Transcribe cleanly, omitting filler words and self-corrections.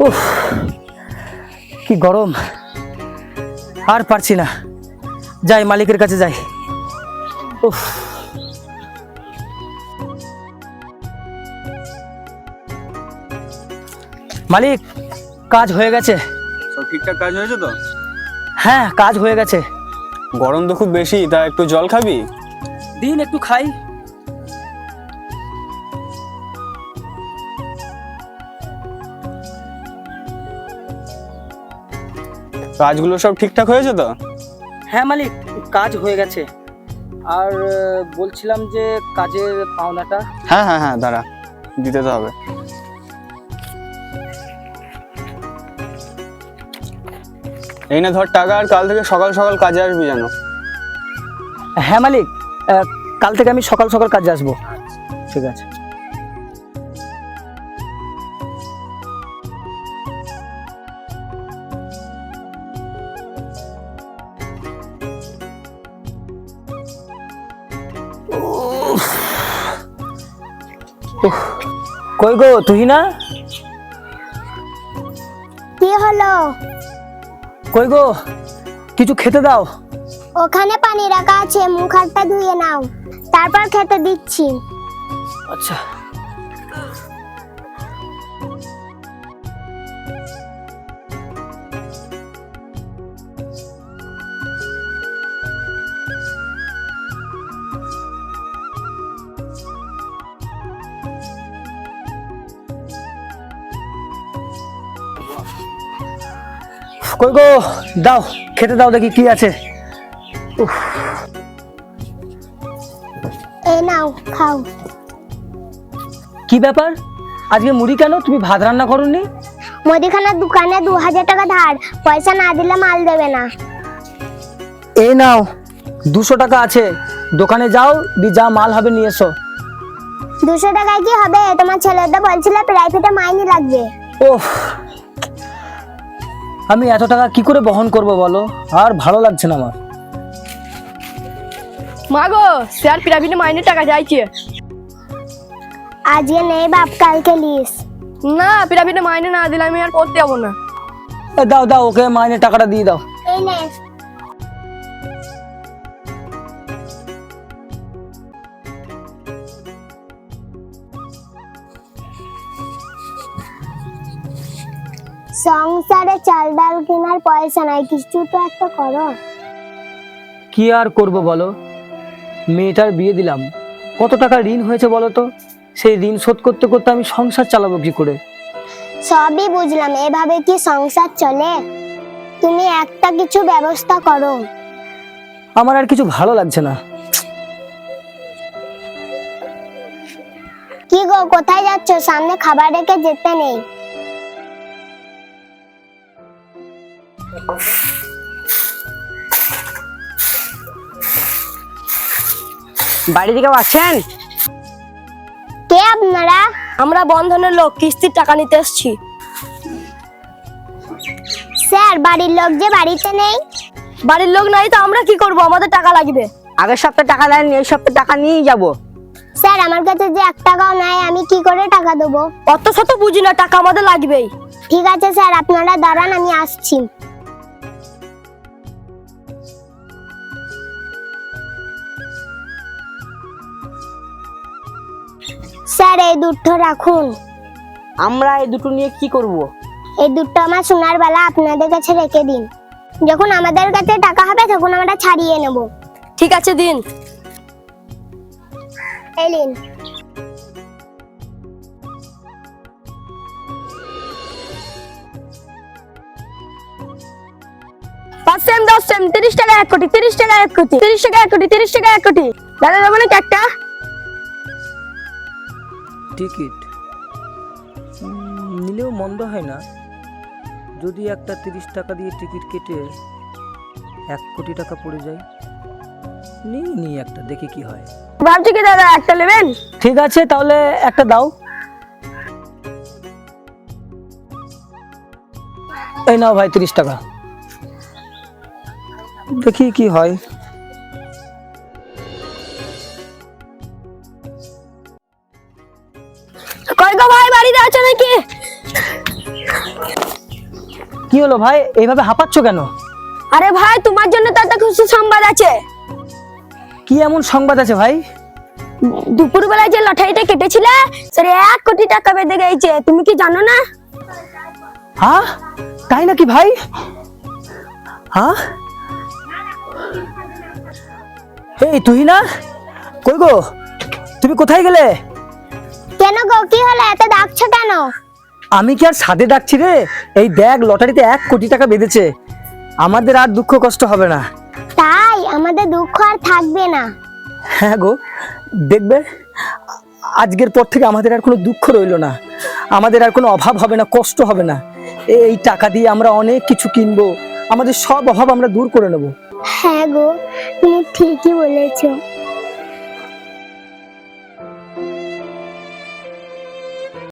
উফ, কি গরম, আর পারছি না। যাই মালিকের কাছে যাই। উফ, মালিক কাজ হয়ে গেছে। সব ঠিকঠাক কাজ হয়েছে তো? হ্যাঁ, কাজ হয়ে গেছে। গরম তো খুব বেশি, তা একটু জল খাবি? দিন একটু খাই। কাজগুলো সব ঠিকঠাক হয়েছে তো? হ্যাঁ মালিক, কাজ হয়ে গেছে। আর বলছিলাম যে কাজের পাওনাটা। হ্যাঁ হ্যাঁ হ্যাঁ, দাঁড়া, দিতে তো হবে। এই না ধর টাকা, আর কাল থেকে সকাল সকাল কাজে আসবি জানো। হ্যাঁ মালিক, কাল থেকে আমি সকাল সকাল কাজে আসবো। ঠিক আছে। কই গো তুই না? কি হলো? কই গো, কিছু খেতে দাও। ওখানে পানি রাখা আছে, মুখ হাতটা ধুয়ে নাও, তারপর খেতে দিচ্ছি। আচ্ছা। কই গো, দাও খেতে দাও, দেখি কি আছে। উফ, এই নাও, খাও। কি ব্যাপার, আজকে মুড়ি কেন? তুমি ভাত রান্না করোনি? মুদিখানার দোকানে 2000 টাকা ধার, পয়সা না দিলে মাল দেবে না। এই নাও 200 টাকা আছে, দোকানে যাও, যা মাল হবে নিয়ে এসো। 200 টাকায় কি হবে? তোমার ছেলেটা বলছিল প্রাইভেটে মাইনে লাগবে। ওহ, আমি এত টাকা কি করে বহন করব বলো? আর ভালো লাগছে না আমার। মা গো, স্যার প্রাইভেটে মাইনের টাকা চাইছে। আজকে নেই বাপ, কালকে লিস। না, প্রাইভেটে মাইনে না দিলে আমি আর পড়তে যাবো না। দাও দাও, ওকে মাইনে টাকাটা দিয়ে দাও। এই নে। সংসারে চাল ডাল কেনার পয়সা নাই, কিছু তো একটা করো। কি আর করব বলো, মেয়েটার বিয়ে দিলাম, কত টাকা ঋণ হয়েছে বলো তো? সেই ঋণ শোধ করতে করতে আমি সংসার চালাবো কি করে? সবই বুঝলাম, এভাবে কি সংসার চলে? তুমি একটা কিছু ব্যবস্থা করো। আমার আর কিছু ভালো লাগছে না। কি গো, কোথায় যাচ্ছ? সামনে খাবার রেখে যেতে নেই। বাড়ি থেকে আছেন? কে আপনারা? আমরা বন্ধনের লোক, কিস্তির টাকা নিতে এসেছি। স্যার, বাড়ির লোক যে বাড়িতে নেই। বাড়ির লোক নাই তো আমরা কি করব? আমাদের টাকা লাগবে। আগের সপ্তাহে টাকা দেননি, এই সপ্তাহে টাকা নিয়েই যাবো। স্যার, আমার কাছে যে 1 টাকাও নাই, আমি কি করে টাকা দেবো? অত শত বুঝি না, টাকা আমাদের লাগবেই। ঠিক আছে স্যার, আপনারা দাঁড়ান, আমি আসছি। স্যার, এই দুটো রাখুন। আমরা এই দুটো নিয়ে কি করব? এই দুটো আমার সোনার বালা, আপনাদের কাছে রেখে দিন। যখন আমাদের কাছে টাকা হবে তখন আমরা ছাড়িয়ে নেব। ঠিক আছে, দিন। এই নিন। পাঁচ সেম 10 সেম 30 টাকা 1 কোটি, 30 টাকা 1 কোটি, 30 টাকা 1 কোটি, 30 টাকা 1 কোটি। দাদা দেবো না একটা? টিকিট নিলেও মন্দ হয় না, যদি একটা 30 টাকা দিয়ে টিকিট কেটে 1 কোটি টাকা পড়ে যায়। নি একটা, দেখি কি হয়। ভাবছি কি দাদা, একটা নেবেন? ঠিক আছে, তাহলে একটা দাও। এই নাও ভাই 30 টাকা, দেখি কি হয়। কই গো ভাই, বাড়িতে আছো নাকি? কি হলো ভাই, এইভাবে হাঁপাচ্ছ কেন? আরে ভাই তোমার জন্য তো একটা খুশি সংবাদ আছে। কি এমন সংবাদ আছে ভাই? দুপুরবেলায় যে লটারিটা কেটেছিলে সেটা 1 কোটি টাকা বেঁধে গেছে, তুমি কি জানো না? হ্যাঁ, তাই নাকি ভাই? হ্যাঁ, এই তুই না, কই গো, তুমি কোথায় গেলে? কেন গো, কি হলো, এত ডাকছো কেন? আমি কি আর সাদে ডাকছি রে, এই দেখ লটারিতে 1 কোটি টাকা বেঁধেছে, আমাদের আর দুঃখ কষ্ট হবে না। তাই আমাদের দুঃখ আর থাকবে না। হ্যাঁ গো, দেখবে আজকের পর থেকে আমাদের আর কোনো দুঃখ রইলো না, আমাদের আর কোনো অভাব হবে না, কষ্ট হবে না। এই টাকা দিয়ে আমরা অনেক কিছু কিনবো, আমাদের সব অভাব আমরা দূর করে নেব। হ্যাঁ গো, তুমি ঠিকই বলেছো।